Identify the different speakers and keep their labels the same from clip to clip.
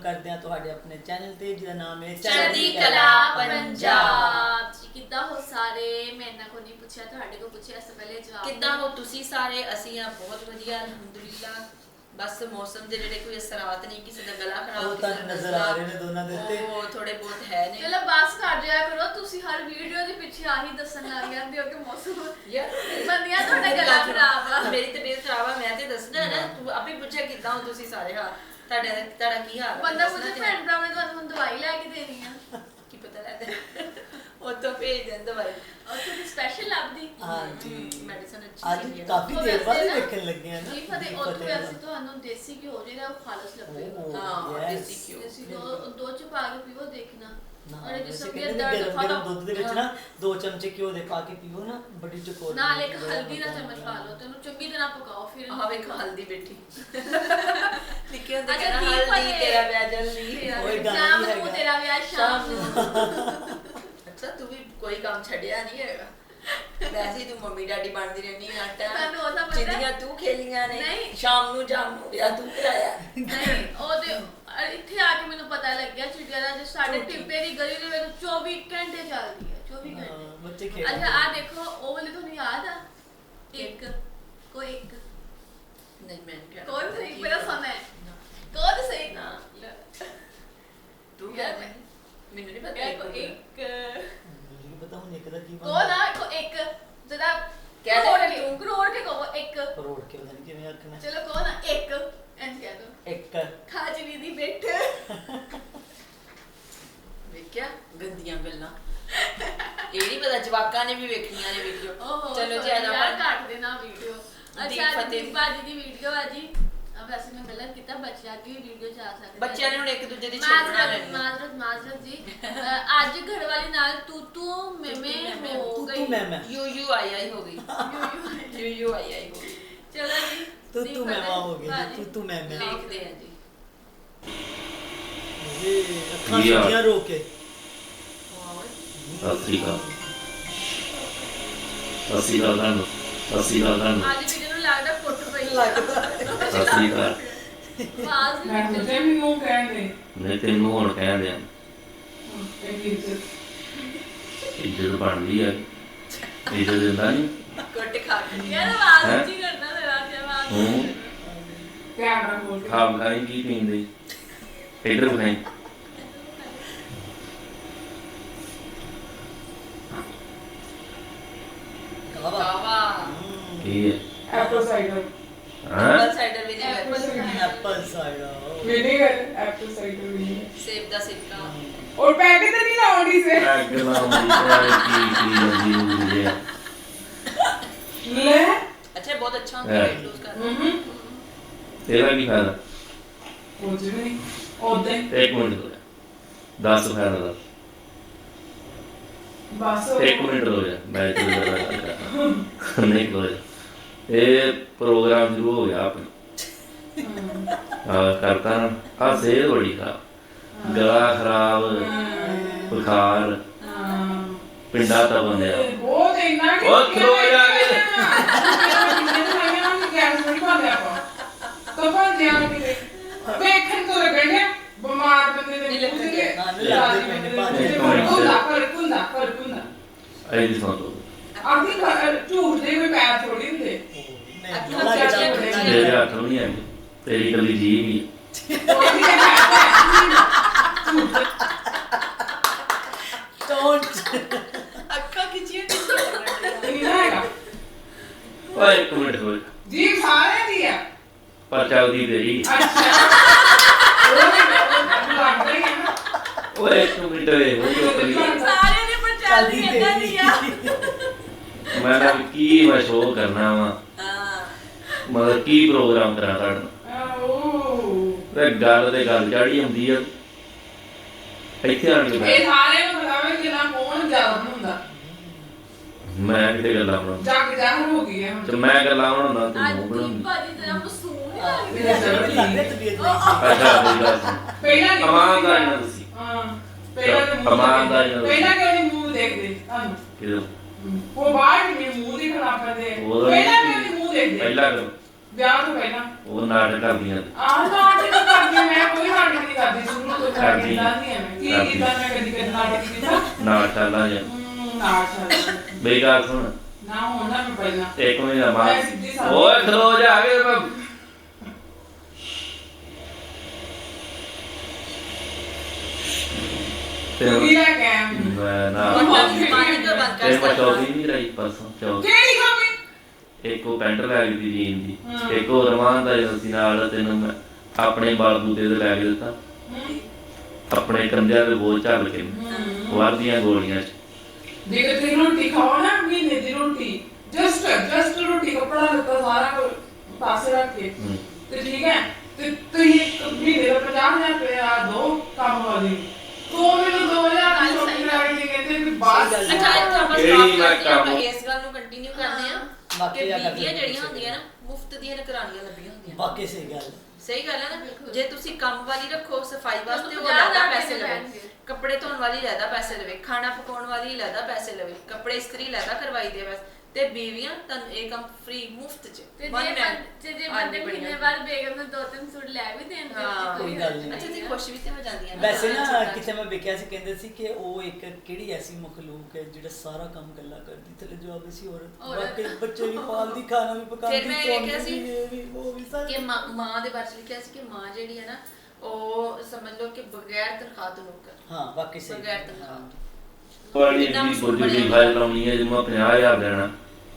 Speaker 1: ਕਰਦੇ ਹਾਂ ਤੁਹਾਡੇ ਆਪਣੇ ਚੈਨਲ ਤੇ ਜਿਹਦਾ ਨਾਮ ਹੈ
Speaker 2: ਚੜ੍ਹਦੀ ਕਲਾ ਪੰਜਾਬ। ਕਿੱਦਾਂ ਹੋ ਸਾਰੇ? ਮੈਂ ਇਹਨਾਂ ਕੋ ਨਹੀਂ ਪੁੱਛਿਆ, ਤੁਹਾਡੇ ਕੋ ਪੁੱਛਿਆ। ਇਸ ਤੋਂ ਪਹਿਲੇ ਜਵਾਬ
Speaker 3: ਕਿੱਦਾਂ ਹੋ ਤੁਸੀਂ ਸਾਰੇ? ਅਸੀਂ ਆ ਬਹੁਤ ਵਧੀਆ ਅਲਹਮਦੁਲਿਲਾ। ਬਸ ਮੌਸਮ ਦੇ ਜਿਹੜੇ ਕੋਈ ਅਸਰਾਤ ਨਹੀਂ, ਕਿਸੇ ਦਾ ਗਲਾ ਖਰਾਬ,
Speaker 1: ਉਹ ਤਾਂ ਨਜ਼ਰ ਆ ਰਹੇ ਨੇ ਦੋਨਾਂ ਦੇ ਉੱਤੇ,
Speaker 3: ਉਹ ਥੋੜੇ ਬਹੁਤ ਹੈ ਨੇ।
Speaker 2: ਚਲੋ ਬਸ ਕਰ ਜਾਇਆ ਕਰੋ, ਤੁਸੀਂ ਹਰ ਵੀਡੀਓ ਦੇ ਪਿੱਛੇ ਆਹੀ ਦੱਸਣ ਲੱਗ ਜਾਂਦੇ ਹੋ ਕਿ ਮੌਸਮ
Speaker 3: ਯਾਰ
Speaker 2: ਬੰਦਿਆ ਤੁਹਾਡਾ ਗਲਾ ਖਰਾਬ ਆ।
Speaker 3: ਮੇਰੀ ਤਬੀਅਤ ਖਰਾਬ ਆ, ਮੈਂ ਤੇ ਦੱਸਣਾ ਨਾ। ਤੂੰ ਆਪੇ ਪੁੱਛਿਆ ਕਿੱਦਾਂ ਹੋ ਤੁਸੀਂ ਸਾਰੇ? ਹਾਂ ਤੁਹਾਡਾ ਕੀ ਹਾਲ?
Speaker 2: ਬੰਦਾ ਪੁੱਛੇ ਭੈਣ ਭਰਾ ਨੇ ਤੁਹਾਨੂੰ ਦਵਾਈ ਲੈ ਕੇ ਦੇਣੀ ਆ,
Speaker 3: ਕੀ ਪਤਾ ਲੱਗਦਾ ਉੱਥੋਂ ਭੇਜ ਦਿੰਦਾ ਦਵਾਈ।
Speaker 2: ਉੱਥੇ ਦੀ ਸਪੈਸ਼ਲ ਲੱਭਦੀ।
Speaker 1: ਹਾਂਜੀ
Speaker 3: ਮੈਡੀਸਨ ਅੱਛੀ
Speaker 1: ਅੱਜ
Speaker 3: ਸੀ।
Speaker 1: ਕਾਫੀ ਦੇਰ ਬਾਅਦ ਦੇਖਣ ਲੱਗੇ ਆ ਨਾ।
Speaker 2: ਜੀ ਫਤਿਹ ਉੱਥੇ ਅਸੀਂ ਤੁਹਾਨੂੰ ਦੇਸੀ ਘਿਓ ਜਿਹੜਾ ਉਹ ਖਾਲਸ ਲੱਭੇਗਾ।
Speaker 3: ਹਾਂ ਦੇਸੀ ਘਿਓ।
Speaker 2: ਦੇਸੀ ਘਿਓ ਦੋ ਚ ਪਾ ਕੇ ਪੀਵੋ, ਦੇਖਣਾ
Speaker 1: ਔਰ ਜਿਸ ਗਰਮ ਦੁੱਧ ਦੇ ਵਿੱਚ ਨਾ 2 ਚਮਚੇ ਘਿਓ ਦੇ ਪਾ ਕੇ ਪੀਓ ਨਾ, ਬੜੀ ਚਕੋਰ
Speaker 2: ਨਾਲ ਇੱਕ ਹਲਦੀ ਦਾ ਚਮਚ ਪਾ ਲਓ ਤੇ ਉਹਨੂੰ ਚੰਗੀ ਤਰ੍ਹਾਂ ਪਕਾਓ। ਫਿਰ
Speaker 3: ਆਹ ਵੇਖ ਹਲਦੀ ਬੈਠੀ ਲਿਖਿਆ ਹੁੰਦਾ
Speaker 2: ਅੱਛਾ,
Speaker 3: ਕਿ ਹਲਦੀ ਤੇਰਾ ਵਿਆਹ ਜਲਦੀ।
Speaker 1: ਓਏ ਗਾਣਾ
Speaker 2: ਸ਼ਾਮ
Speaker 1: ਵੀ
Speaker 2: ਨੂੰ
Speaker 1: ਹੈਗਾ।
Speaker 2: ਤੇਰਾ ਵਿਆਹ ਸ਼ਾਮ ਨੂੰ।
Speaker 3: ਅੱਛਾ ਤੂੰ ਵੀ ਕੋਈ ਕੰਮ ਛੱਡਿਆ ਨਹੀਂ ਹੈਗਾ। ਵੈਸੇ ਹੀ ਤੂੰ ਮੰਮੀ ਡੈਡੀ ਬਣਦੀ ਰਹਿੰਦੀ ਆਟਾ
Speaker 2: ਤੁਹਾਨੂੰ ਉਹ ਤਾਂ ਪਤਾ
Speaker 3: ਜਿੰਨੀਆਂ ਤੂੰ ਖੇਲੀਆਂ ਨੇ।
Speaker 2: ਨਹੀਂ।
Speaker 3: ਸ਼ਾਮ ਨੂੰ ਵਿਆਹ ਤੂੰ ਕਰਾਇਆ।
Speaker 2: ਨਹੀਂ ਉਹ ਤੇ ਇੱਥੇ ਆ ਕੇ ਮੈਨੂੰ ਪਤਾ ਲੱਗਿਆ ਚਿੜੀਆ ਦਾ ਜੋ ਸਾਡੇ ਟਿੱਬੇ ਦੀ ਗਲੀ ਦੇ ਵਿੱਚ 24 ਘੰਟੇ ਚੱਲਦੀ ਹੈ। 24 ਘੰਟੇ
Speaker 1: ਬੱਚੇ ਖੇਡ
Speaker 2: ਅੱਛਾ ਆ ਦੇਖੋ ਉਹ ਵਾਲੀ ਤੁਹਾਨੂੰ ਯਾਦ ਆ? ਇੱਕ ਕੋਈ ਇੱਕ
Speaker 3: ਨਹੀਂ ਮੈਂ ਕਿਹਾ
Speaker 2: ਕੌਣ ਸਹੀ ਮੇਰਾ ਸਮਾਂ ਹੈ ਕੌਣ ਸਹੀ
Speaker 3: ਨਾ ਤੂੰ
Speaker 2: ਯਾਰ
Speaker 3: ਕਹਿ ਮੈਨੂੰ ਨਹੀਂ ਪਤਾ
Speaker 2: ਇੱਕ
Speaker 1: ਮੈਨੂੰ ਪਤਾ ਹੁਣ ਇੱਕ ਦਾ ਕੀ
Speaker 2: ਕੌਣ ਆ ਕੋ ਇੱਕ ਜਦਾ
Speaker 3: ਕਹਿ ਦੇ
Speaker 2: ਤੂੰ ਕਰੋੜ ਕੇ ਕਹੋ ਇੱਕ
Speaker 1: ਕਰੋੜ ਕੇ ਪਤਾ ਨਹੀਂ ਕਿਵੇਂ ਆਖਣਾ।
Speaker 2: ਚਲੋ ਕੌਣ ਆ ਇੱਕ ਐਂ ਕਹਿ ਦੋ
Speaker 1: ਇੱਕ
Speaker 2: ਖਾਜਲੀ ਦੀ ਬਿੱਠ।
Speaker 3: ਵੇਖਿਆ ਗੰਦੀਆਂ ਗੱਲਾਂ। ਇਹ ਨਹੀਂ ਪਤਾ ਜਵਾਕਾਂ ਨੇ ਵੀ ਵੇਖਣੀਆਂ ਨੇ ਵੀਡੀਓ। ਚਲੋ ਜੀ ਅੱਜ
Speaker 2: ਯਾਰ
Speaker 3: ਆਪਾਂ
Speaker 2: ਕੱਟ ਦੇਣਾ ਵੀਡੀਓ।
Speaker 3: ਦੀਪ
Speaker 2: ਅੱਛਾ
Speaker 3: ਫਤਿਹ
Speaker 2: ਦੀਪ ਬਾਜੀ ਦੀ ਵੀਡੀਓ ਆ ਜੀ। ਵੈਸੇ ਮੈਂ ਗਲਤ ਕੀਤਾ, ਬੱਚਿਆਂ ਦੀ ਵੀਡੀਓ ਚ ਆ ਸਕਦੀ।
Speaker 3: ਬੱਚਿਆਂ ਨੇ ਹੁਣ ਇੱਕ ਦੂਜੇ ਦੀ ਛੇੜ ਬਣਾ ਲੈਣੀ।
Speaker 2: ਮਾਜ਼ਰਤ ਜੀ। ਅੱਜ ਘਰ ਵਾਲੀ ਨਾਲ ਤੂੰ ਮੈਂ ਹੋ ਗਈ।
Speaker 3: ਯੂ ਆਈ ਆਈ ਹੋ ਗਈ। ਯੂ ਆਈ ਆਈ ਹੋ ਗਈ।
Speaker 2: ਚਲੋ ਜੀ
Speaker 1: ਤੂੰ ਮੈਂ ਹੋ ਗਈ। ਤੂੰ ਮੈਂ
Speaker 3: ਦੇਖਦੇ ਆ ਜੀ।
Speaker 1: ਇਹ ਅੱਖਾਂ ਸੁਣੀਆਂ ਰੋ ਕੇ।
Speaker 4: ਸਤਿ ਸ਼੍ਰੀ ਅਕਾਲ ਤੁਹਾਨੂੰ।
Speaker 2: ਅੱਜ ਵੀਡੀਓ ਨੂੰ ਲੱਗਦਾ ਫੁੱਟ ਪਈ
Speaker 4: ਸਤਿ ਸ਼੍ਰੀ ਅਕਾਲ।
Speaker 2: ਆਵਾਜ਼
Speaker 5: ਮੈਂ
Speaker 2: ਨਹੀਂ
Speaker 5: ਸੋਚਿਆ ਮੈਨੂੰ ਕਹਿੰਦੇ
Speaker 4: ਨਹੀਂ ਤੈਨੂੰ ਹੁਣ ਕਹਿੰਦੇ ਆ ਇੱਜ਼ਤ ਬਣਦੀ ਆ। ਇੱਜ਼ਤ ਦਿੰਦਾ ਨਹੀਂ
Speaker 3: ਕੁੱਟ ਖਾ ਕੇ।
Speaker 2: ਯਾਰ ਆਵਾਜ਼ ਉੱਚੀ ਕਰਨਾ ਜ਼ਰਾ ਜਿਹਾ ਆਵਾਜ਼।
Speaker 4: ਹੂੰ
Speaker 5: ਕੈਮਰਾ ਖੋਲ ਕੇ
Speaker 4: ਖਾਮ ਖਾਈ ਕੀ ਪੀਂਦੇ ਇੱਧਰ ਖਾਈ।
Speaker 3: ਵਾਹ
Speaker 4: ਕੀ ਹੈ
Speaker 5: ਐਪਲ ਸਾਈਡਰ
Speaker 4: ਹਾਂ
Speaker 3: ਸਾਈਡਰ ਵੀ ਨਹੀਂ
Speaker 1: apple cider
Speaker 5: vinegar apple cider vinegar
Speaker 3: ਸੇਬ ਦਾ ਸਿੱਕਾ।
Speaker 5: और पैकेट तो नहीं लाउंडी से
Speaker 4: ਅੱਗ ਲਾਉਂਦੀ ਹੈ ਕੀ ਜਾਂਦੀ ਹੈ।
Speaker 5: ले
Speaker 3: ਅੱਛਾ ਬਹੁਤ ਅੱਛਾ ਹੁੰਦਾ ਹੈ ਲੂਜ਼ ਕਰਨਾ।
Speaker 4: ਤੇਰਾ ਕੀ ਫਾਇਦਾ?
Speaker 5: कुछ नहीं ओदे
Speaker 4: ਇੱਕ ਮਿੰਟ ਹੋ ਜਾ 10 ਫਾਇਦਾ ਦਾ
Speaker 5: बस
Speaker 4: 1 ਮਿੰਟ ਹੋ ਜਾ ਮੈਂ ਨਹੀਂ ਹੋ ਜਾ। ਇਹ ਪ੍ਰੋਗਰਾਮ ਸ਼ੁਰੂ ਹੋ ਗਿਆ ਆਪਣਾ ਕਰਤਾ ਨਾ ਆ ਸਿਹਤ ਬੜੀ ਖਰਾਬ, ਗਲਾ ਖਰਾਬ, ਬੁਖਾਰ, ਪਿੰਡਾ ਤਾਂ ਬੰਦਿਆ
Speaker 5: बहुत इतना कि
Speaker 4: ਉਹ ਖਲੋ ਜਾ ਕੇ
Speaker 5: गैस नहीं पाते आप तो पर ध्यान के देखन तो लगने बीमार बंदे ने कुंदा
Speaker 4: ਐ ਦੀ ਸੁਣ ਤੋ
Speaker 5: आखिर झूठ दे कोई पैर थोड़ी होंगे
Speaker 4: ਤੇਰੇ ਹੱਥ ਨਹੀਂ ਆਈ ਤੇਰੀ ਕੱਲੀ ਜੀਭ ਹੀ
Speaker 1: ਡੋਂਟ
Speaker 3: ਅੱਖਾਂ ਖਿੱਚੀਆਂ ਕਿੱਥੇ
Speaker 5: नहीं आएगा
Speaker 4: ਓਏ 1 ਮਿੰਟ ਹੋ ਜਾ
Speaker 5: जी सारे दिया
Speaker 4: ਪਰ ਚੱਲਦੀ ਤੇਰੀ।
Speaker 5: अच्छा लग रही है ना
Speaker 4: ਓਏ 1 ਮਿੰਟ ਹੋਏ ਹੋ
Speaker 2: ਸਾਰੇ ਨੇ ਪਰ ਚੱਲਦੀ ਏਦਾਂ ਦੀ ਆ।
Speaker 4: ਮੈਂ ਨਾ ਕੀ ਮੈਂ ਸ਼ੋਅ ਕਰਨਾ ਵਾ
Speaker 3: ਹਾਂ
Speaker 4: ਮਤਲਬ ਕੀ ਪ੍ਰੋਗਰਾਮ ਕਰਾਂ ਤੁਹਾਡਾ? ਤੇ ਗੱਲ ਤੇ ਗੱਲ ਚੜੀ ਹੁੰਦੀ ਆ ਇੱਥੇ ਆਣ ਕੇ
Speaker 5: ਇਹ
Speaker 4: ਬੈਠ।
Speaker 5: ਸਾਰੇ ਨੂੰ ਬਤਾਵੇ ਕਿ ਨਾ ਕੌਣ ਜ਼ਿਆਦਾ ਹੁੰਦਾ
Speaker 4: ਮੈਂ ਕਿਤੇ ਗੱਲਾਂ ਬਣਾਉਂਦਾ
Speaker 5: ਜੱਗ ਜਾਹਰ ਹੋ ਗਈ ਹੈ
Speaker 4: ਤੇ ਮੈਂ ਗੱਲਾਂ ਬਣਾਉਂਦਾ ਤੂੰ
Speaker 2: ਅੱਜ
Speaker 4: ਮੂੰਹ
Speaker 2: ਦੀਪ
Speaker 4: ਬਣਾਉਂਦੀ।
Speaker 2: ਬਾਜੀ ਜਰਾ ਮਸੂਮ ਨਹੀਂ
Speaker 1: ਮੇਰਾ
Speaker 2: ਲੱਗਦੀ।
Speaker 1: ਜ਼ਰੂਰ ਲੱਗਦਾ ਤਬੀਅਤ ਨਹੀਂ
Speaker 4: ਅੱਛਾ ਮੇਰੀ ਗੱਲ ਸੁਣ।
Speaker 5: ਪਹਿਲਾਂ ਨਹੀਂ
Speaker 4: ਇਮਾਨਦਾਰੀ ਨਾਲ ਤੁਸੀਂ
Speaker 5: ਹਾਂ ਪਹਿਲਾਂ ਤਾਂ
Speaker 4: ਇਮਾਨਦਾਰੀ ਨਾਲ
Speaker 5: ਪਹਿਲਾਂ ਕਿਉਂ ਨਹੀਂ ਮੂੰਹ ਦੇਖਦੇ ਤੁਹਾਨੂੰ
Speaker 4: ਕਿਦੋਂ
Speaker 5: ਉਹ ਬਾਹਰ ਨਹੀਂ ਮੂੰਹ ਦੀ ਖਰਾਬ ਕਰਦੇ
Speaker 4: ਉਦੋਂ
Speaker 5: ਪਹਿਲਾਂ ਕਿਉਂ ਨਹੀਂ ਮੂੰਹ ਦੇਖਦੇ
Speaker 4: ਪਹਿਲਾਂ ਕਰੋ
Speaker 5: ਵਿਆਹ ਤੋਂ ਪਹਿਲਾਂ
Speaker 4: ਉਹ ਨਾਟਕ ਕਰਦੀਆਂ
Speaker 5: ਨਾਟਕ ਕਰਦੀ ਮੈਂ ਕੋਈ ਨਾਟਕ ਨਹੀਂ ਕਰਦੀ ਸ਼ੁਰੂ ਤੋਂ
Speaker 4: ਕਰਦੀ।
Speaker 5: ਕਰਦੀ ਐ ਮੈਂ ਕੀ ਕੀਤਾ ਮੈਂ ਕਦੀ ਨਾਟਕ ਕੀਤਾ
Speaker 4: ਨਾਟਕਾਂ ਜਾਂ
Speaker 5: ਨਾਟਕ
Speaker 4: ਮੇਰੀ ਗੱਲ ਸੁਣ
Speaker 5: ਨਾ ਹੋਣਾ ਮੈਂ ਪਹਿਲਾਂ
Speaker 4: ਇੱਕ ਮਹੀਨਾ ਬਾਅਦ
Speaker 5: ਮੈਂ ਸਿੱਧੀ ਸਾਦੀ-
Speaker 4: ਓਏ ਖਲੋ ਜਾ ਕੇ ਮੈਂ
Speaker 5: ਤੂੰ ਵੀ ਲੈ ਕੇ ਆਇਆ
Speaker 4: ਮੈਂ ਨਾ
Speaker 3: ਪਾਣੀ ਤੋਂ ਬੰਦ ਕਰ
Speaker 4: ਤੇ ਮੈਂ
Speaker 3: ਸਕਦਾ
Speaker 4: ਚੌਥੀ ਨਹੀਂ ਰਹੀ ਪਰਸੋਂ ਚੌਥੀ
Speaker 5: ਕਿਹੜੀ ਕਾਪੀ
Speaker 4: ਇੱਕ ਉਹ ਪੈਂਟ ਲੈ ਗਈ ਜੀਨ ਦੀ
Speaker 5: ਹਾਂ।
Speaker 4: ਇੱਕ ਉਹ ਰਮਾਨ ਦਾ ਜਿਹੜਾ ਸੀ ਨਾਲ ਤੈਨੂੰ ਮੈਂ ਆਪਣੇ ਬਾਲ ਬੂਤੇ ਤੇ ਲੈ ਕੇ ਦਿੱਤਾ ਆਪਣੇ ਕੰਧਿਆਂ ਦੇ ਬੋਝ ਝੱਲ ਕੇ ਵਰਦੀਆਂ ਗੋਲੀਆਂ ਚ
Speaker 5: ਦੇਖ ਤੇ ਰੋਟੀ ਖਾਓ ਨਾ ਮਹੀਨੇ ਦੀ ਰੋਟੀ ਜਸਟ ਰੋਟੀ ਕੱਪੜਾ ਲੱਤਾ ਸਾਰਾ ਕੁਝ ਪਾਸੇ ਰੱਖ ਕੇ ਤੇ ਠੀਕ ਹੈ ਤੇ ਤੁਸੀਂ ਇੱਕ ਮਹੀਨੇ ਦਾ 50,000 ਰੁਪਇਆ ਦੋ ਕੰਮ ਵਾਲੀ ਤੂੰ ਮੈਨੂੰ 2,000 ਦੀ ਸ਼ੋਪਿੰਗ ਕਰਾਉਣੀ ਤੇ ਕਹਿੰਦੇ ਵੀ ਬਸ
Speaker 3: ਅੱਛਾ ਇੱਥੇ ਆਪਾਂ
Speaker 4: ਕਿਹੜੀ
Speaker 3: stop
Speaker 4: ਮੈਂ
Speaker 3: ਕਰਦੇ ਹਾਂ, ਆਪਾਂ
Speaker 4: ਕੰਮ?
Speaker 3: ਇਸ ਗੱਲ ਨੂੰ ਕੰਟੀਨਿਊ ਕਰਦੇ ਆ
Speaker 1: ਬਾਕੀ
Speaker 3: ਕਿ
Speaker 1: ਆ ਕਰਦੇ
Speaker 3: ਬੀਬੀਆਂ ਜਿਹੜੀਆਂ
Speaker 1: ਸਹੀ
Speaker 3: ਹੁੰਦੀਆਂ ਨਾ ਮੁਫਤ ਦੀਆਂ ਨਕਰਾਨੀਆਂ ਲੱਭੀਆਂ ਹੁੰਦੀਆਂ
Speaker 1: ਬਾਕੀ ਸਹੀ ਗੱਲ
Speaker 3: ਸਹੀ ਗੱਲ ਹੈ ਨਾ ਜੇ ਤੁਸੀਂ ਕੰਮ ਵਾਲੀ ਰੱਖੋ ਸਫਾਈ ਵਾਸਤੇ ਉਹ
Speaker 2: ਪੰਜਾਹ
Speaker 3: ਲੈਦਾ
Speaker 2: ਹਜ਼ਾਰ
Speaker 3: ਪੈਸੇ
Speaker 2: ਦੇ
Speaker 3: ਲਵੇ
Speaker 2: ਲੈਣਗੇ।
Speaker 3: ਕੱਪੜੇ ਧੋਣ ਵਾਲੀ ਲੈਦਾ ਪੈਸੇ ਲਵੇ ਖਾਣਾ ਪਕਾਉਣ ਵਾਲੀ ਲੈਦਾ ਪੈਸੇ ਲਵੇ ਕੱਪੜੇ ਇਸਤਰੀ ਲੈਦਾ ਕਰਵਾਈ ਦੇ ਬਸ ਤੇ ਬੀਵੀਆਂ ਤੁਹਾਨੂੰ ਇਹ ਕੰਮ ਫ੍ਰੀ ਮੁਫਤ ਚ
Speaker 2: ਤੇ
Speaker 3: One man।
Speaker 2: ਜੇ
Speaker 3: ਆਦਮੀ
Speaker 2: ਬੰਦੇ
Speaker 3: ਬਣੀ
Speaker 2: ਮਹੀਨੇ ਬਾਅਦ ਬੇਗਮ ਨੂੰ 2-3 ਸੂਟ ਲੈ ਵੀ ਦੇਣ ਫਿਰ
Speaker 3: ਹਾਂ,
Speaker 1: ਕੋਈ ਗੱਲ ਨਹੀਂ।
Speaker 3: ਅੱਛਾ ਤੁਸੀਂ ਖੁਸ਼ ਵੀ ਤੇ ਹੋ ਜਾਂਦੀਆਂ
Speaker 1: ਵੈਸੇ ਨਾ
Speaker 3: ਛੋਟਾ।
Speaker 1: ਕਿਤੇ ਮੈਂ ਵੇਖਿਆ ਸੀ ਕਹਿੰਦੇ ਸੀ ਕਿ ਉਹ ਇੱਕ ਕਿਹੜੀ ਐਸੀ ਮਖਲੂਕ ਹੈ ਜਿਹੜਾ ਸਾਰਾ ਕੰਮ ਗੱਲਾਂ ਕਰਦੀ ਥੱਲੇ ਜਵਾਬ ਸੀ ਔਰਤ
Speaker 2: ਔਰਤ।
Speaker 1: ਬਾਕੀ ਬੱਚੇ ਵੀ ਪਾਲਦੀ ਖਾਣਾ ਵੀ ਪਕਾਉਂਦੀ
Speaker 3: ਫਿਰ ਮੈਂ ਇਹ ਵੇਖਿਆ ਸੀ
Speaker 1: ਇਹ ਵੀ ਉਹ ਵੀ ਸਾਰਾ
Speaker 3: ਕਿ ਮਾਂ ਦੇ ਬਾਰੇ ਚ ਲਿਖਿਆ ਸੀ ਕਿ ਮਾਂ ਜਿਹੜੀ ਹੈ ਨਾ ਉਹ ਸਮਝ ਲਓ ਕਿ ਬਗੈਰ ਤਨਖਾਹ ਤੋਂ ਨੌਕਰ
Speaker 1: ਹਾਂ ਬਾਕੀ ਸਹੀ
Speaker 3: ਬਗੈਰ ਤਨਖਾਹ
Speaker 4: ਬੜੀ
Speaker 3: ਕਿੰਨਾ
Speaker 4: ਜੀ
Speaker 3: ਮਸ਼ਹੂਰ
Speaker 4: ਬੁੱਢੀ
Speaker 3: ਬਣਿਆ।
Speaker 4: ਫਾਈਲ ਲਾਉਣੀ ਹੈ ਜਿਵੇਂ 50,000 ਦੇਣਾ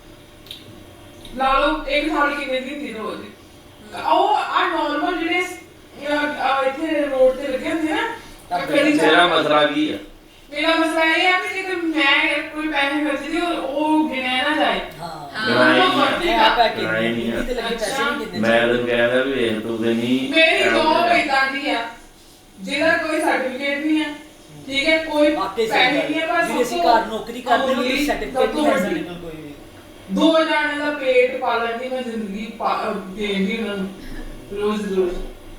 Speaker 5: ਲਾ ਲਓ ਇੱਕ ਸਾਲ ਕਿੰਨੇ ਦਿਨ ਦੀ ਰੋਜ਼ ਉਹ ਆ ਨਾਰਮਲ ਜਿਹੜੇ ਇੱਥੇ ਰੋਡ ਤੇ ਲੱਗੇ ਹੁੰਦੇ ਨਾ ਕੜੀ
Speaker 4: ਤੇਰਾ ਮਸਲਾ ਕੀ ਹੈ
Speaker 5: ਮੇਰਾ ਮਸਲਾ ਇਹ ਆ ਕਿ ਜੇ ਮੈਂ ਕੋਈ ਪੈਸੇ ਖਰਚਦੀ ਉਹ ਗਿਣਿਆ ਨਾ ਜਾਏ
Speaker 1: ਹਾਂ
Speaker 4: ਲੜਾਈ
Speaker 1: ਮੈਂ ਆਪਾ ਕਿ
Speaker 4: ਲੜਾਈ ਨਹੀਂ
Speaker 1: ਤੇ ਲੱਗੇ ਪੈਸੇ ਨਹੀਂ ਦਿੰਦੇ
Speaker 4: ਮੈਂ ਤੈਨੂੰ ਕਹਿੰਦਾ ਵੀ ਵੇਖ ਤੂੰ ਤੇ ਨਹੀਂ
Speaker 5: ਮੇਰੀ ਜੋਬ ਇਦਾਂ ਦੀ ਆ ਜਿਹਦਾ ਕੋਈ ਸਰਟੀਫਿਕੇਟ ਨਹੀਂ ਹੈ ਠੀਕ ਹੈ ਕੋਈ
Speaker 1: ਬਾਕੀ
Speaker 5: ਪੈਸੇ
Speaker 1: ਸਹੀ
Speaker 5: ਨਹੀਂ ਹੈ
Speaker 1: ਗੱਲ
Speaker 5: ਬਸ
Speaker 1: ਜੇ ਅਸੀਂ ਘਰ ਨੌਕਰੀ ਕਰਦੇ ਹਾਂ ਤਾਂ ਸਰਟੀਫਿਕੇਟ ਨਹੀਂ ਹੈ ਸਾਡੇ ਕੋਲ ਕੋਈ ਵੀ
Speaker 5: ਦੋ ਜਾਣੇ ਦਾ ਪੇਟ ਪਾਲਣ ਦੀ ਮੈਂ ਜ਼ਿੰਦਗੀ ਦੇਂਦੀ ਉਹਨਾਂ ਨੂੰ ਰੋਜ਼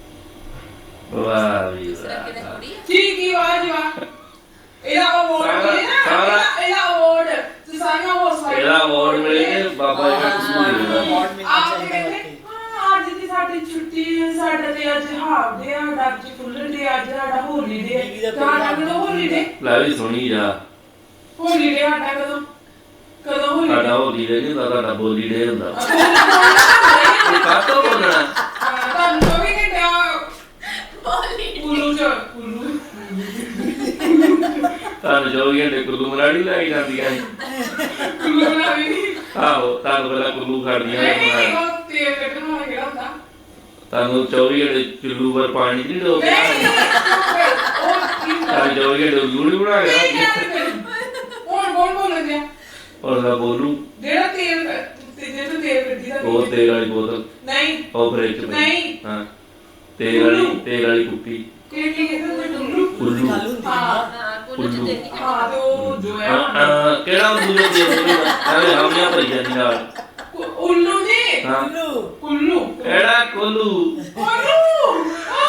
Speaker 4: ਵਾਹ ਵੀ
Speaker 3: ਇਸ ਤਰ੍ਹਾਂ ਕਿਤੇ
Speaker 4: ਵਾਹ।
Speaker 3: ਥੋੜੀ ਹੈ
Speaker 5: ਕੀ ਵਾਹ ਇਹਦਾ ਅਵਾਰਡ ਮਿਲੇ ਨਾ ਇਹਦਾ ਅਵਾਰਡ ਤੇ ਸਾਰੀਆਂ ਹੌਸਲਾ
Speaker 4: ਇਹਦਾ award ਮਿਲੇ ਤੇ ਬਾਬਾ ਜੀ ਨੂੰ ਸਕੂਲ ਦੇਣਾ
Speaker 1: ਅਵਾਰਡ ਮਿਲਣਾ
Speaker 5: ਆਪ
Speaker 1: ਚਾਹੀਦਾ
Speaker 5: ਕਹਿੰਦੇ
Speaker 1: ਵਾਕਈ।
Speaker 5: ਹਾਂ ਅੱਜ ਦੀ ਸਾਡੀ ਛੁੱਟੀ ਹੈ ਸਾਡੇ ਤੇ ਅੱਜ ਹਾਫ ਡੇ ਆ ਅੱਜ ਫੁੱਲ ਡੇ ਅੱਜ ਸਾਡਾ ਹੋਲੀ ਡੇ
Speaker 1: ਦੀਦੀ ਦਾ
Speaker 5: ਸਾਡਾ ਕਦੋਂ ਹੋਲੀ ਡੇ
Speaker 4: ਲੈ ਵੀ ਸੁਣੀ ਜਾ
Speaker 5: ਹੋਲੀ ਡੇ ਸਾਡਾ ਕਦੋਂ ਹੋਲੀ
Speaker 4: ਸਾਡਾ ਹੋ ਗਈ ਨਹੀਂ ਤੁਹਾਡਾ ਬੋਲੀ ਡੇ ਹੁੰਦਾ ਇਹ ਕਾਤੋਂ ਬੋਲਣਾ
Speaker 5: ਤੁਹਾਨੂੰ ਜੋ ਵੀ ਕਹਿੰਦਾ
Speaker 3: ਬੋਲੀ
Speaker 5: ਕੁੱਲੂ ਕੁੱਲੂ
Speaker 4: ਤੁਹਾਨੂੰ ਜੋ ਵੀ ਘੰਟੇ ਕੁੱਲੂ ਮਰਾੜੀ ਲੈ ਕੇ ਜਾਂਦੀਆਂ ਸੀ।
Speaker 5: ਕੁੱਲੂ ਨਾ ਵੀ
Speaker 4: ਆਹੋ ਤੁਹਾਨੂੰ ਪਹਿਲਾਂ ਕੁੱਲੂ ਖੜਦੀਆਂ
Speaker 5: ਨਹੀਂ ਉਹ ਤੇਲ ਕੱਢਣ ਵਾਲਾ ਕਿਹੜਾ ਹੁੰਦਾ
Speaker 4: ਤੁਹਾਨੂੰ 24 ਘੰਟੇ ਚੁੱਲੂ ਪਰ ਪਾਣੀ ਨਹੀਂ ਡੋਬ
Speaker 5: ਨਹੀਂ ਉਹ ਕੀ
Speaker 4: ਤੁਹਾਨੂੰ 24 ਘੰਟੇ ਲੂੜੀ ਬਣਾ ਕੇ ਰੱਖਦੀ
Speaker 5: ਹੁਣ ਕੌਣ ਬੋਲਦੇ ਆ
Speaker 4: ਔਰ ਦਾ ਬੋਲੂ
Speaker 5: ਜਿਹੜਾ ਤੇਲ ਜਿਹੜਾ ਤੇਲ ਕੱਢੀ ਦਾ
Speaker 4: ਉਹ ਤੇਲ ਵਾਲੀ ਬੋਤਲ
Speaker 5: ਨਹੀਂ
Speaker 4: ਉਹ ਫ੍ਰਿਜ ਚ ਪਈ।
Speaker 5: ਨਹੀਂ।
Speaker 4: ਹਾਂ ਤੇਲ ਵਾਲੀ ਕੁੱਪੀ
Speaker 5: ਕੀ ਕਹਿੰਦੇ ਕੁੱਲੂ
Speaker 4: ਕੁੱਲੂ
Speaker 1: ਗੱਲ ਹੁੰਦੀ ਹੈ
Speaker 3: ਹਾਂ ਕੋਲ ਚ ਤੇ ਨਹੀਂ
Speaker 5: ਹਾਂ ਤੇ ਉਹ ਜੋ ਹੈ
Speaker 4: ਕਿਹੜਾ ਦੂਜੇ ਤੇਲ ਐਵੇਂ ਹਾਮੀਆਂ ਭਰੀ ਜਾਂਦੀ ਨਾਲ
Speaker 5: ਉੱਲੂ ਨਹੀਂ
Speaker 4: ਹਾਂ
Speaker 1: ਕੁੱਲੂ
Speaker 5: ਕੁੱਲੂ
Speaker 4: ਕਿਹੜਾ ਕੋਲੂ
Speaker 5: ਕੁੱਲੂ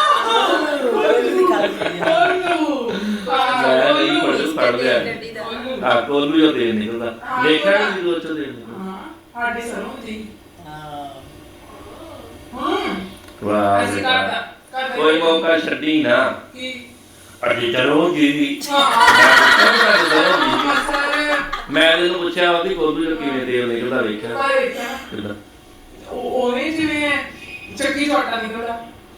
Speaker 4: ਮੈਂ ਨਹੀਂ ਪੜ ਲਿਆ
Speaker 3: ਗੱਡੀ ਦਾ
Speaker 4: ਆ ਕੋਲੂ ਜੋ ਤੇਲ ਨਿਕਲਦਾ ਦੇਖਿਆ ਨਹੀਂ ਜਦੋਂ ਚੋਂ ਤੇਲ ਨਿਕਲਦਾ
Speaker 5: ਸਾਡੇ ਸਰੋਂ ਦੀ
Speaker 1: ਹਾਂ
Speaker 4: ਵਾਹ
Speaker 5: ਅਸੀਂ
Speaker 4: ਬੇਟਾ।
Speaker 5: ਕਰਦਾ
Speaker 4: ਕੋਈ ਮੌਕਾ ਛੱਡੀ ਨਾ
Speaker 5: ਕੀ
Speaker 4: ਅਜੇ ਚਲੋ ਜੀ ਮੈਂ ਇਹਨੂੰ ਪੁੱਛਿਆ ਉਹਦੀ ਕੋਲੂ ਜੋ ਕਿਵੇਂ ਤੇਲ ਨਿਕਲਦਾ ਵੇਖਿਆ ਕਿੱਦਾਂ
Speaker 5: ਉਹਨੇ ਜਿਵੇਂ ਚੱਕੀ ਛੋਟਾ ਨਿਕਲਦਾ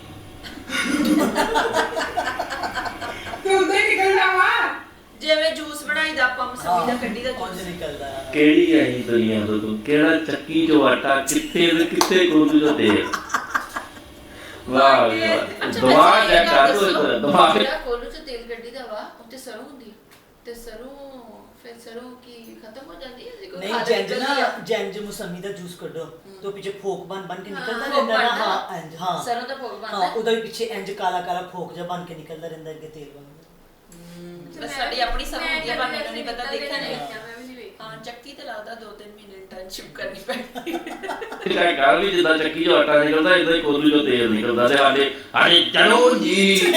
Speaker 5: ਤੇ ਉਹਦੇ ਨਿਕਲਦਾ ਵਾ
Speaker 3: ਜਿਵੇਂ ਜੂਸ ਬਣਾਈਦਾ ਆਪਾਂ ਮਸਮੀ ਦਾ ਕੱਢੀ ਦਾ
Speaker 1: ਉਂਝ
Speaker 3: ਜੂਸ
Speaker 1: ਨਿਕਲਦਾ
Speaker 4: ਕਿਹੜੀ ਆਈ ਦੁਨੀਆ ਤੋਂ ਤੂੰ ਕਿਹੜਾ ਚੱਕੀ ਚੋਂ ਆਟਾ ਕਿੱਥੇ ਤੇ ਕਿੱਥੇ ਕੋਲੂ ਜੋ ਤੇਲ ਵਾਹ ਵੀ ਵਾਹ ਦਿਮਾਗ ਹੈ ਕਾਹਤੋਂ ਦਿਮਾਗ
Speaker 3: ਜਿਹੜਾ ਕੋਲੂ ਚ ਤੇਲ ਗੱਡੀ ਦਾ ਵਾ ਉੱਤੇ ਸਰੋਂ ਹੁੰਦੀ ਹੈ ਤੇ ਸਰੋਂ ਫਿਰ ਸਰੋਂ ਕੀ ਖਤਮ ਹੋ ਜਾਂਦੀ ਹੈ ਕੋਈ
Speaker 1: ਨਹੀਂ
Speaker 3: ਖਾ
Speaker 1: ਜੈਂਜ
Speaker 3: ਲੈਂਦਾ
Speaker 1: ਨਾ
Speaker 3: ਹੈ।
Speaker 1: ਜੈਂਜ ਮੌਸਮੀ ਦਾ ਜੂਸ ਕੱਢੋ तो पीछे फोक बन के निकलता
Speaker 3: फोक
Speaker 1: रहता ना
Speaker 3: बनता।
Speaker 1: हाँ इंज हाँ
Speaker 3: सरों दा फोक बनता
Speaker 1: हाँ
Speaker 3: है।
Speaker 1: उधर पीछे इंज काला काला फोक जब बन के निकलता रहता है तेल बन
Speaker 3: बस साडी अपनी सब ਹੁੰਦੀ ਹੈ ਪਰ ਮੈਨੂੰ ਨਹੀਂ ਪਤਾ ਦੇਖਿਆ ਨਹੀਂ
Speaker 2: ਮੈਂ ਵੀ ਨਹੀਂ ਵੇਖਿਆ
Speaker 3: ਹਾਂ ਚੱਕੀ ਤੇ ਲੱਗਦਾ 2-3 ਮਹੀਨੇ ਇੰਟਰਨਸ਼ਿਪ ਕਰਨੀ ਪੈਣੀ
Speaker 4: ਇਹ ਗੱਲ ਵੀ ਜਿੱਦਾਂ ਚੱਕੀ ਚੋਂ ਆਟਾ ਨਿਕਲਦਾ ਇਦਾਂ ਹੀ ਕੋਲੂ ਚੋਂ ਤੇਲ ਨਿਕਲਦਾ ਤੇ ਸਾਡੇ ਚਲੋ ਜੀ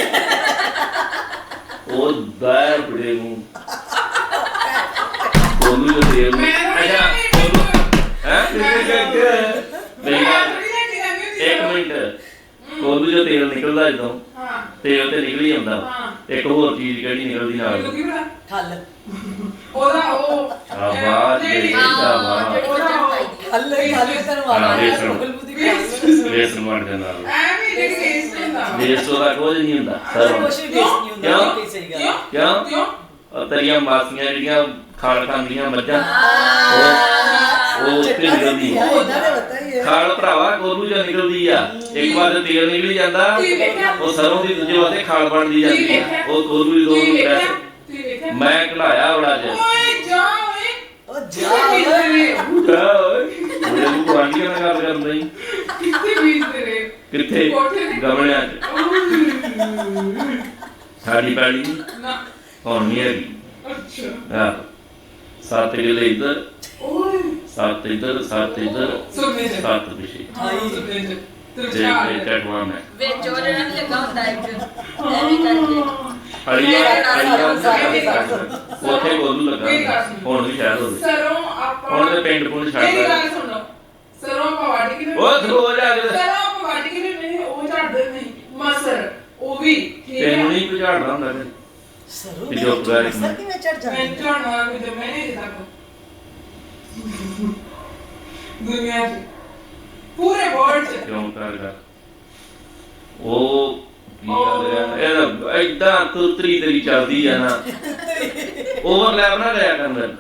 Speaker 4: ਉਹ ਦਾਇ ਬੜੇ ਨੂੰ ਕੋਲੂ ਚੋਂ ਤੇਲ ਅੱਛਾ ਕੋਲੂ ਹੈ ਮੇਰੀ ਗੱਲ ਮਿੰਟ ਕੋਲੂ ਜੋ ਤੇਲ ਨਿਕਲਦਾ ਜਦੋਂ
Speaker 5: ਹਾਂ
Speaker 4: ਤੇਲ ਤੇ ਨਿਕਲ ਹੀ ਆਉਂਦਾ
Speaker 5: ਹਾਂ।
Speaker 4: ਇੱਕ ਹੋਰ ਚੀਜ਼ ਕਿਹੜੀ ਨਿਕਲਦੀ ਨਾਲ
Speaker 5: ਮੈਨੂੰ ਕੀ ਪਤਾ
Speaker 1: ਖੱਲ
Speaker 5: ਉਹਦਾ ਉਹ
Speaker 4: ਸ਼ਾਬਾਸ਼
Speaker 5: ਜਿਹੜੀ-
Speaker 4: ਜੀ, ਸ਼ਾਬਾਸ਼।
Speaker 3: ਜਿਹੜੀ ਬੱਚਾ ਪਾਈ ਦੀ
Speaker 1: ਖੱਲ ਤੈਨੂੰ
Speaker 4: ਹਾਂ,
Speaker 1: ਆਵਾਜ਼
Speaker 4: ਵੇਸਣ।
Speaker 1: ਮੁਗਲਬੂਦੀ ਪਈ
Speaker 4: ਵੇਸਣ ਬਣ ਜਾਂਦਾ ਨਾਲ
Speaker 5: ਐਵੇਂ ਜਿਹੜੀ ਟੇਸਟ ਹੁੰਦਾ
Speaker 4: ਵੇਸਟ ਉਹਦਾ ਕੁਝ ਨਹੀਂ ਹੁੰਦਾ ਸਰੋਂ
Speaker 1: ਕੁਛ ਵੀ ਵੇਸਟ ਨਹੀਂ ਹੁੰਦਾ
Speaker 4: ਕਿਉਂ?
Speaker 1: ਕਿ ਸਹੀ ਗੱਲ
Speaker 4: ਕਿਉਂ
Speaker 5: ਕਿਉਂ
Speaker 4: ਉਹ ਤੇਰੀਆਂ ਮਾਸੀਆਂ ਜਿਹੜੀਆਂ ਖਾਲ ਖਾਂਦੀਆਂ ਮੱਝਾਂ ਉਹ ਉੱਥੇ ਨਿਕਲਦੀ
Speaker 1: ਉਹਨਾਂ ਦੇ ਪਤਾ ਹੀ ਹੈ
Speaker 4: ਖਾਲ ਭਰਾਵਾ ਕੋਲੂ ਜਾਂ ਨਿਕਲਦੀ ਆ ਇੱਕ ਵਾਰ ਤੇ ਤੇਲ ਨਿਕਲ ਜਾਂਦਾ
Speaker 5: ਤੁਸੀਂ ਵੇਖਿਆ
Speaker 4: ਉਹ ਸਰੋਂ ਦੀ ਦੂਜੇ ਵਾਸਤੇ ਖਾਲ ਬਣਦੀ ਜਾਂਦੀ ਆ ਉਹ ਕੋਲੂ ਦੀ ਦੋ
Speaker 5: ਤੁਸੀਂ ਵੇਖਿਆ
Speaker 4: ਪ੍ਰੈਸ
Speaker 5: ਤੁਸੀਂ ਵੇਖਿਆ
Speaker 4: ਮੈਂ ਕਢਾਇਆ ਬੜਾ ਚ
Speaker 5: ਓਏ ਜਾ ਓਏ
Speaker 1: ਉਹ
Speaker 5: ਕਿੱਥੇ
Speaker 1: ਜਾ
Speaker 5: ਬੀਜਦੇ ਰਹੇ
Speaker 4: ਉਹਦੇ ਨੂੰ ਗੁਆਂਢੀਆਂ ਨਾਲ ਗੱਲ ਕਰਨ ਲਈ
Speaker 5: ਕਿੱਥੇ ਬੀਜਦੇ ਰਹੇ
Speaker 4: ਕਿੱਥੇ
Speaker 5: ਕੋਠੇ ਤੇ।
Speaker 4: ਗਮਲਿਆਂ 'ਚ ਸਾਡੀ ਪੈਲੀ ਨੀ,
Speaker 5: ਨਾ
Speaker 4: ਹੁਣ ਨਹੀਂ ਹੈਗੀ
Speaker 5: ਅੱਛਾ
Speaker 4: ਆਹ 7 ਕਿੱਲੇ ਇੱਧਰ
Speaker 5: ਓਏ
Speaker 4: 7 ਇੱਧਰ 7 ਇੱਧਰ
Speaker 5: ਸੁਣਨੇ ਚ
Speaker 4: 7 ਪਿੱਛੇ
Speaker 5: ਹਾਂ ਸੁਣਨੇ ਚ
Speaker 4: ਤੇ
Speaker 5: ਚਾਰ
Speaker 4: ਇਹ ਟਟਵਾ ਮੈਂ
Speaker 3: ਵਿੱਚ ਉਹ ਜਿਹੜਾ ਨੀ ਲੱਗਾ ਹੁੰਦਾ ਇੱਕ ਐਵੇਂ ਕਰਕੇ
Speaker 4: ਉੱਥੇ ਕੋਲੂ ਲੱਗਾ ਹੁਣ ਵੀ ਸ਼ਾਇਦ ਹੋਵੇ
Speaker 5: ਸਰੋਂ ਆਪਾਂ
Speaker 4: ਹੁਣ ਤੇ ਪਿੰਡ ਪੁੰਡ ਛੱਡ
Speaker 5: ਮੇਰੀ
Speaker 4: ਦਿੱਤਾ।
Speaker 5: ਗੱਲ ਸੁਣੋ ਸਰੋਂ ਆਪਾਂ ਵੱਢ ਕੇ
Speaker 4: ਉਹ ਥੋ ਜਾ ਕੇ
Speaker 5: ਸਰੋਂ ਆਪਾਂ ਵੱਢ ਕੇ ਨਹੀਂ ਉਹ ਝਾੜਦੇ ਨਹੀਂ ਮਸਰ ਉਹ ਵੀ ਠੀਕ
Speaker 4: ਤੈਨੂੰ
Speaker 5: ਹੈ
Speaker 4: ਨਹੀਂ ਕੋਈ ਝਾੜਦਾ ਹੁੰਦਾ ਫਿਰ
Speaker 1: ਸਰੋਂ
Speaker 4: ਇਹ ਜੋ ਪੁਰਾਣੀ-
Speaker 1: ਸਰ ਕਿਵੇਂ ਚੜ
Speaker 5: ਮੈਂ
Speaker 1: ਜਾਂਦੀ
Speaker 5: ਝਾੜਨਾ ਕੋਈ ਜਮੇ ਨਹੀਂ ਤੱਕ ਦੁਨੀਆ 'ਚ ਪੂਰੇ ਵਰਲਡ 'ਚ
Speaker 4: ਕਿਉਂ ਕਰਦਾ ਉਹ ਕੀ ਗੱਲ ਹੈ ਇਹਦਾ ਐਦਾਂ ਤੁਰਤਰੀ ਤੇਰੀ ਚੱਲਦੀ ਆ ਨਾ ਓਵਰਲੈਪ ਨਾ ਕਰਿਆ ਕਰ ਮੇਰੇ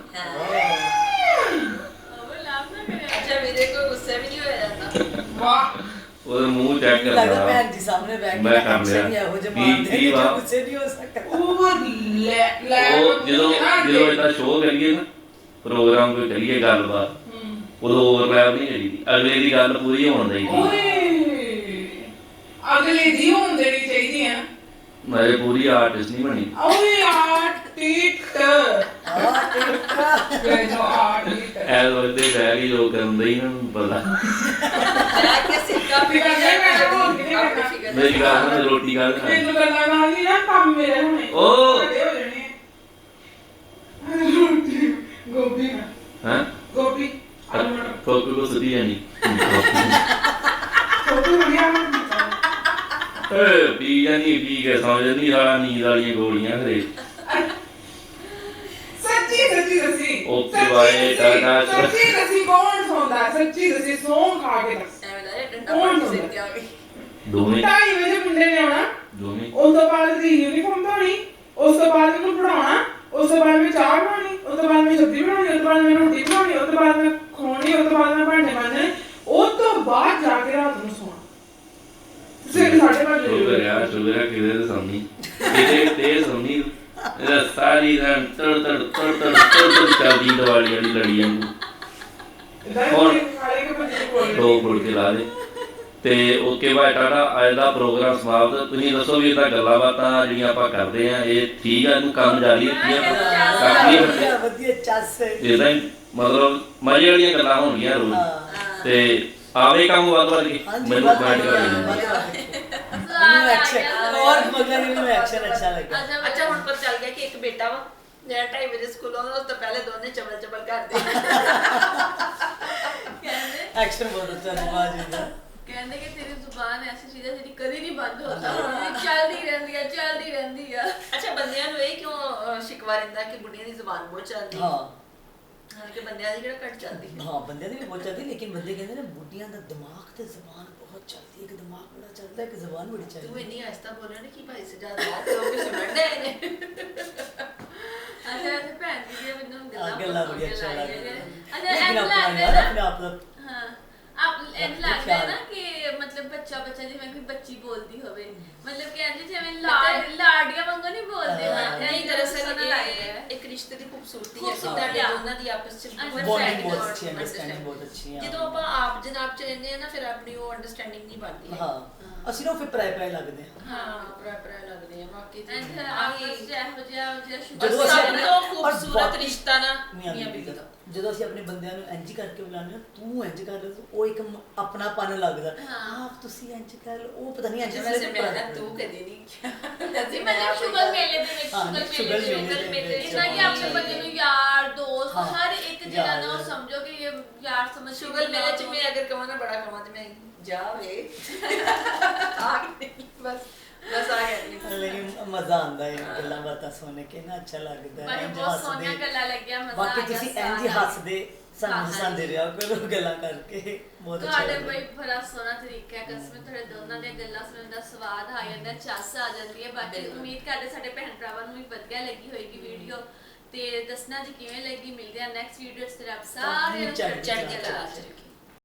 Speaker 2: ਲਾਭ ਨਾ ਕਰਿਆ
Speaker 3: ਅੱਛਾ ਵੀਰੇ ਕੋਈ ਗੁੱਸੇ ਵੀ ਨਹੀਂ ਹੋਇਆ ਜਾਂਦਾ
Speaker 5: ਵਾਹ
Speaker 4: ਉਹਦਾ ਮੂੰਹ ਚੈੱਕ
Speaker 1: ਲੱਗਦਾ
Speaker 4: ਕਰਦਾ
Speaker 1: ਭੈਣ ਜੀ ਸਾਹਮਣੇ ਬੈਠ
Speaker 4: ਮੈਂ ਕਰ ਲਿਆ।
Speaker 1: ਇਹੋ ਜਿਹੇ
Speaker 4: ਕੀ-
Speaker 1: ਮਾਰਦੇ
Speaker 4: ਕੀ
Speaker 1: ਨੇ
Speaker 4: ਵਾ?
Speaker 1: ਜੋ ਗੁੱਸੇ ਨਹੀਂ ਹੋ ਸਕਦਾ
Speaker 5: ਉਹ ਲੈ
Speaker 4: ਉਹ ਜਦੋਂ ਇਹਦਾ ਸ਼ੋਅ ਕਰੀਏ ਨਾ ਪ੍ਰੋਗਰਾਮ ਕੋਈ ਕਰੀਏ ਗੱਲਬਾਤ ਉਦੋਂ ਓਵਰਲੈਪ ਨਹੀਂ ਕਰੀਦੀ ਅਗਲੇ ਦੀ ਗੱਲ ਪੂਰੀ ਹੋਣ ਦੇਈਦੀ
Speaker 5: ਓਏ ਅਗਲੇ ਦੀ ਹੋਣ ਦੇਣੀ ਚਾਹੀਦੀ ਹੈ
Speaker 4: ਮੈਂ ਪੂਰੀ ਆਰਟਿਸਟ ਨਹੀਂ ਬਣੀ
Speaker 5: ਓਏ ਆਰਟਿਸਟ
Speaker 1: ਆ ਟਿਕਾ
Speaker 5: ਇਹ ਜੋ ਆਰਟਿਸਟ
Speaker 4: ਐ ਉਹਦੇ ਬਹਿ ਕੇ ਜੋ ਕਰਦੇ ਹੀ ਨਾ ਪਤਾ
Speaker 3: ਬੈਠ ਕੇ ਸਿੱਕਾ ਪੀ ਕੇ ਆਪਣੀ ਫਿਕਰ
Speaker 4: ਮੇਰੀ ਗੱਲ ਸੁਣ ਰੋਟੀ ਖਾ ਲੈ
Speaker 5: ਮੈਨੂੰ ਗੱਲਾਂ ਨਾਲ ਨਹੀਂ ਨਾ ਕੰਮ ਮੇਰੇ ਹੋਣੇ
Speaker 4: ਓ।
Speaker 5: ਵੱਡੇ ਹੋ ਜਾਣੇ ਰੋਟੀ ਗੋਭੀ
Speaker 4: ਹਾਂ
Speaker 5: ਗੋਭੀ ਆਲੂ ਮਟਰ
Speaker 4: ਕੋਕ ਕੋ ਸੁਦੀ ਜਾਨੀ
Speaker 5: ਗੋਭੀ ਵਧੀਆ
Speaker 4: ਏ ਪੀ ਜਾਨੀ ਪੀ ਕੇ ਸਮਝ ਨਹੀਂ ਸਾਲਾ ਨੀਂਦ ਵਾਲੀਆਂ ਗੋਲੀਆਂ ਖਰੇ
Speaker 5: ਸੱਚੀ ਦੱਸੀ
Speaker 4: ਓਕੇ ਬਾਏ, ਟਾਟਾ।
Speaker 5: ਸੱਚੀ ਦੱਸੀ ਕੌਣ ਸੌਂਦਾ ਸੱਚੀ ਦੱਸੀ ਸੌਂ ਖਾ ਕੇ ਦੱਸ
Speaker 3: ਐਵੇਂ ਦਾ ਡੰਡਾ ਪਾ ਕੇ ਸਿਰ ਤੇ ਆ ਗਈ
Speaker 4: ਦੋਵੇਂ
Speaker 5: 2:30 ਵਜੇ ਮੁੰਡੇ ਨੇ ਆਉਣਾ
Speaker 4: ਦੋਵੇਂ
Speaker 5: ਉਸ ਤੋਂ ਬਾਅਦ ਦੀ ਯੂਨੀਫਾਰਮ ਧੋਣੀ ਉਸ ਤੋਂ ਬਾਅਦ ਉਹਨੂੰ ਪੜਾਉਣਾ ਉਸ ਤੋਂ ਬਾਅਦ ਮੈਂ ਚਾਹ ਬਣਾਉਣੀ ਉਸ ਤੋਂ ਬਾਅਦ ਮੈਂ ਸਬਜ਼ੀ ਬਣਾਉਣੀ ਉਸ ਤੋਂ ਬਾਅਦ ਮੈਂ ਰੋਟੀ ਬਣਾਉਣੀ ਉਸ ਤੋਂ ਬਾਅਦ ਮੈਂ ਖਵਾਉਣੀ ਉਸ ਤੋਂ ਬਾਅਦ ਮੈਂ ਭਾਂਡੇ ਮਾਂਜਣੇ ਉਸ ਤੋਂ ਬਾਅਦ ਜਾ ਕੇ ਰਾਤ ਨੂੰ ਸੌਣਾ ਸਿਰ 5:30 ਵਜੇ
Speaker 4: ਸ਼ੁਗਰ ਆ ਕਿਤੇ ਤੇ ਸੌਣੀ ਕਿਤੇ ਤੇ ਸੌਣੀ ਇਹਦਾ ਸਾਰੀ ਰਨ ਤੜ ਚੱਲਦੀ ਦਵਾਲੀ ਵਾਲੀ ਲੜੀਆਂ ਨੂੰ
Speaker 5: ਹੋਰ ਖਾਲੇ ਕੇ ਬੱਚੇ ਕੋਲ
Speaker 4: ਦੋ ਫੁੱਲ ਕੇ ਲਾ ਦੇ ਤੇ ਓਕੇ ਬਾਏ ਟਾਟਾ ਅੱਜ ਦਾ ਪ੍ਰੋਗਰਾਮ ਸਮਾਪਤ ਤੁਸੀਂ ਦੱਸੋ ਵੀ ਇਹਦਾ ਗੱਲਾਂ ਬਾਤਾਂ ਜਿਹੜੀਆਂ ਆਪਾਂ ਕਰਦੇ ਆ ਇਹ ਠੀਕ ਆ ਇਹਨੂੰ ਕੰਮ ਜਾਰੀ ਰੱਖੀਏ ਕਾਫੀ
Speaker 1: ਵਧੀਆ ਵਧੀਆ ਚੱਸ
Speaker 4: ਇਹਦਾ ਹੀ ਮਤਲਬ ਮਜ਼ੇ ਵਾਲੀਆਂ ਗੱਲਾਂ ਹੋਣਗੀਆਂ ਰੋਜ਼ ਤੇ ਆਵੇ ਕੰਮ ਵੱਧ ਕੇ ਮੈਨੂੰ ਕਮੈਂਟ ਕਰ ਦੇਣਾ
Speaker 1: ਮੈਨੂੰ ਐਕਸ਼ਨ ਔਰ ਮਗਰ ਮੈਨੂੰ ਐਕਸ਼ਨ ਅੱਛਾ ਲੱਗਾ
Speaker 3: ਅੱਛਾ ਹੁਣ ਪਤਾ ਚੱਲ ਗਿਆ ਕਿ ਇੱਕ ਬੇਟਾ ਵਾ ਜਿਹੜਾ 2:30 ਵਜੇ ਸਕੂਲ ਆਉਂਦਾ ਉਸ ਤੋਂ ਪਹਿਲੇ ਦੋਨੇ ਚਬਲ ਕਰਦੇ
Speaker 2: ਕਹਿੰਦੇ
Speaker 1: ਐਕਸ਼ਨ ਬਹੁਤ ਅੱਛਾ ਨਿਭਾ ਜਿੰਦਾ
Speaker 2: ਕਹਿੰਦੇ ਕਿ ਤੇਰੀ ਜ਼ੁਬਾਨ ਐਸੀ ਚੀਜ਼ ਹੈ ਜਿਹੜੀ ਕਦੀ ਨਹੀਂ ਬੰਦ ਹੋ ਸਕਦੀ ਚੱਲਦੀ ਰਹਿੰਦੀ ਆ
Speaker 3: ਅੱਛਾ ਬੰਦਿਆਂ ਨੂੰ ਇਹ ਕਿਉਂ ਸ਼ਿਕਵਾ ਰਹਿੰਦਾ ਕਿ ਬੁੱਢੀਆਂ ਦੀ ਜ਼ੁਬਾਨ ਬਹੁਤ ਚੱਲਦੀ
Speaker 1: ਹਾਂ
Speaker 3: ਹਾਂ ਕਿ ਬੰਦਿਆਂ ਦੀ ਕਿਹੜਾ ਘੱਟ ਚੱਲਦੀ ਹੈ
Speaker 1: ਹਾਂ ਬੰਦਿਆਂ ਦੀ ਵੀ ਬਹੁਤ ਚੱਲਦੀ ਲੇਕਿਨ ਬੰਦੇ ਕਹਿੰਦੇ ਨੇ ਬੁੱਢੀਆਂ ਦਾ ਦਿਮਾਗ ਤੇ ਜ਼ਬਾਨ ਬਹੁਤ ਚੱਲਦੀ ਹੈ ਕਿ ਦਿਮਾਗ ਬੜਾ ਚੱਲਦਾ ਹੈ ਕਿ ਜ਼ਬਾਨ ਬੜੀ
Speaker 3: ਤੂੰ
Speaker 1: ਚੱਲਦੀ
Speaker 3: ਇੰਨੀ ਆਸਤਾ ਬੋਲਿਆ ਨਾ ਕਿ ਭਾਈ ਸਜਾਦ ਬਾਤ ਲੋਕ ਵੀ ਸੁਣਦੇ ਨੇ
Speaker 2: ਅੱਛਾ ਤੇ ਭੈਣ ਜੀ ਦੀਆਂ ਮੈਨੂੰ
Speaker 1: ਗੱਲਾਂ ਬੜੀ ਅੱਛਾ ਲੱਗਦਾ
Speaker 2: ਅੱਛਾ
Speaker 1: ਲੇਕਿਨ
Speaker 2: ਐਂ
Speaker 1: ਆਪਣਾ
Speaker 2: ਲੱਗਦਾ
Speaker 1: ਯਾਰ
Speaker 2: ਨਾ
Speaker 1: ਆਪਣੇ ਆਪ ਦਾ
Speaker 2: ਹਾਂ ਆਪ ਇਹ ਲੱਗਦਾ ਹੈ ਨਾ ਕਿ ਮਤਲਬ ਬੱਚਾ ਜਿਵੇਂ ਕੋਈ ਬੱਚੀ ਬੋਲਦੀ ਹੋਵੇ ਮਤਲਬ ਕਿ ਇੰਜ ਜਿਵੇਂ ਲਾੜੀਆਂ ਵਾਂਗੂ ਨਹੀਂ ਬੋਲਦੇ
Speaker 1: ਹਾਂ।
Speaker 3: ਨਹੀਂ ਦਰਅਸਲ
Speaker 2: ਸੁਣਨ ਲੱਗਦਾ ਹੈ।
Speaker 3: ਇਹ ਇੱਕ ਰਿਸ਼ਤੇ ਦੀ ਖੂਬਸੂਰਤੀ ਹੈ ਕਿ
Speaker 2: ਖੂਬਸੂਰਤੀ
Speaker 3: ਤੁਹਾਡੇ
Speaker 2: ਆ।
Speaker 3: ਦੋਨਾਂ ਦੀ ਆਪਸ ਚ
Speaker 1: ਬੌਂਡਿੰਗ ਬਹੁਤ ਅੱਛੀ ਅੰਡਰਸਟੈਂਡਿੰਗ ਬਹੁਤ ਅੱਛੀ ਹੈ
Speaker 3: ਜਦੋਂ ਆਪਾਂ ਆਪ ਜਨਾਬ ਚ ਰਹਿੰਦੇ ਆ ਨਾ ਫਿਰ ਆਪਣੀ ਉਹ ਅੰਡਰਸਟੈਂਡਿੰਗ ਨਹੀਂ ਬਣਦੀ
Speaker 1: ਹਾਂ ਅਸੀਂ ਨਾ ਫਿਰ ਪਰਾਏ ਲੱਗਦੇ ਹਾਂ
Speaker 3: ਹਾਂ ਪਰਾ ਲੱਗਦੇ ਆ ਬਾਕੀ ਤੇ
Speaker 2: ਐਂਡ ਆਪਸ ਚ ਇਹੋ ਜਿਹਾ
Speaker 1: ਜਦੋਂ
Speaker 3: ਸਭ
Speaker 1: ਅਸੀਂ
Speaker 3: ਤੋਂ
Speaker 1: ਔਰ
Speaker 3: ਖੂਬਸੂਰਤ
Speaker 1: ਬਾਕੀ-
Speaker 3: ਰਿਸ਼ਤਾ ਨਾ
Speaker 1: ਮੀਆਂ
Speaker 3: ਮੀਆਂ
Speaker 1: ਬੀਵੀ
Speaker 3: ਬੀਵੀ
Speaker 1: ਦਾ
Speaker 3: ਦਾ
Speaker 1: ਜਦੋਂ ਅਸੀਂ ਆਪਣੇ ਬੰਦਿਆਂ ਨੂੰ ਇੰਜ ਕਰਕੇ ਬੁਲਾਉਂਦੇ ਹਾਂ ਤੂੰ ਇੰਜ ਕਰ ਉਹ ਇੱਕ ਆਪਣਾਪਨ ਲੱਗਦਾ
Speaker 2: ਹਾਂ।
Speaker 1: ਆਪ ਤੁਸੀਂ ਇੰਜ ਕਰ ਉਹ ਪਤਾ ਨਹੀਂ ਇੰਜ
Speaker 3: ਵੈਸੇ ਮੈਂ ਨਾ ਤੂੰ ਕਦੀ ਨਹੀਂ
Speaker 2: ਜੀ ਮਤਲਬ ਸ਼ੁਗਰ ਮੇਲੇ ਦੇ ਵਿੱਚ
Speaker 1: ਹਾਂ,
Speaker 2: ਸ਼ੁਗਰ
Speaker 1: ਸ਼ੁਗਰ
Speaker 2: ਮੇਲੇ
Speaker 1: ਮੇਲੇ
Speaker 2: ਮੇਲੇ
Speaker 1: ਦੇ
Speaker 2: ਇਦਾਂ ਕਿ ਆਪਣੇ
Speaker 1: ਵਿੱਚ
Speaker 2: ਬੰਦੇ ਨੂੰ ਯਾਰ ਦੋਸਤ
Speaker 1: ਹਾਂ,
Speaker 2: ਹਰ ਇੱਕ ਜਿਹੜਾ ਨਾ ਉਹ
Speaker 1: ਯਾਰ।
Speaker 2: ਸਮਝੋ ਕਿ ਇਹ ਯਾਰ ਸਮਝ
Speaker 3: ਸ਼ੁਗਰ ਮੇਲੇ ਚ ਮੈਂ ਅਗਰ ਕਹਾਂ ਨਾ ਬੜਾ ਕਹਾਂ ਤੇ ਮੈਂ ਜਾਵੇ ਬਸ ਆ ਗਿਆ
Speaker 1: ਲੇਕਿਨ ਮਜ਼ਾ ਆਉਂਦਾ ਹੈ ਗੱਲਾਂ ਬਾਤਾਂ ਸੁਣ ਕੇ ਨਾ, ਅੱਛਾ ਲੱਗਦਾ
Speaker 2: ਬਾਕੀ
Speaker 1: ਇੰਝ
Speaker 2: ਬਹੁਤ ਸੋਹਣੀਆਂ ਗੱਲਾਂ ਲੱਗੀਆਂ, ਮਜ਼ਾ
Speaker 1: ਬਾਕੀ
Speaker 2: ਆ ਗਿਆ
Speaker 1: ਤੁਸੀਂ
Speaker 2: ਸਾਰਾ।
Speaker 1: ਇੰਝ ਹੱਸਦੇ ਸਾਨੂੰ
Speaker 2: ਹਾਂਜੀ।
Speaker 1: ਹਸਾਉਂਦੇ ਰਿਹਾ ਕਰੋ ਗੱਲਾਂ ਕਰਕੇ, ਬਹੁਤ ਅੱਛਾ
Speaker 2: ਤੁਹਾਡੇ
Speaker 1: ਲੱਗਦਾ।
Speaker 2: ਬਈ ਬੜਾ ਸੋਹਣਾ ਤਰੀਕਾ ਹੈ ਕਸਮ, ਤੁਹਾਡੇ ਦੋਨਾਂ ਦੀਆਂ ਗੱਲਾਂ ਸੁਣਨ ਦਾ ਸਵਾਦ ਆ ਜਾਂਦਾ, ਚੱਸ ਆ ਜਾਂਦੀ ਹੈ। ਬਾਕੀ
Speaker 3: ਬਿਲਕੁਲ।
Speaker 2: ਉਮੀਦ ਕਰਦੇ ਸਾਡੇ ਭੈਣ ਭਰਾਵਾਂ ਨੂੰ ਵੀ ਵਧੀਆ ਲੱਗੀ ਹੋਏਗੀ ਵੀਡੀਓ, ਤੇ ਦੱਸਣਾ ਜੀ ਕਿਵੇਂ ਲੱਗੀ। ਮਿਲਦੇ ਆ ਨੈਕਸਟ ਵੀਡੀਓ 'ਚ। ਰੱਬ ਸਾਰਿਆਂ ਨੂੰ
Speaker 1: ਚੜ੍ਹਦੀ
Speaker 3: ਚੜ੍ਹਦੀ ਕਲਾ ਚ ਰੱਖੀ।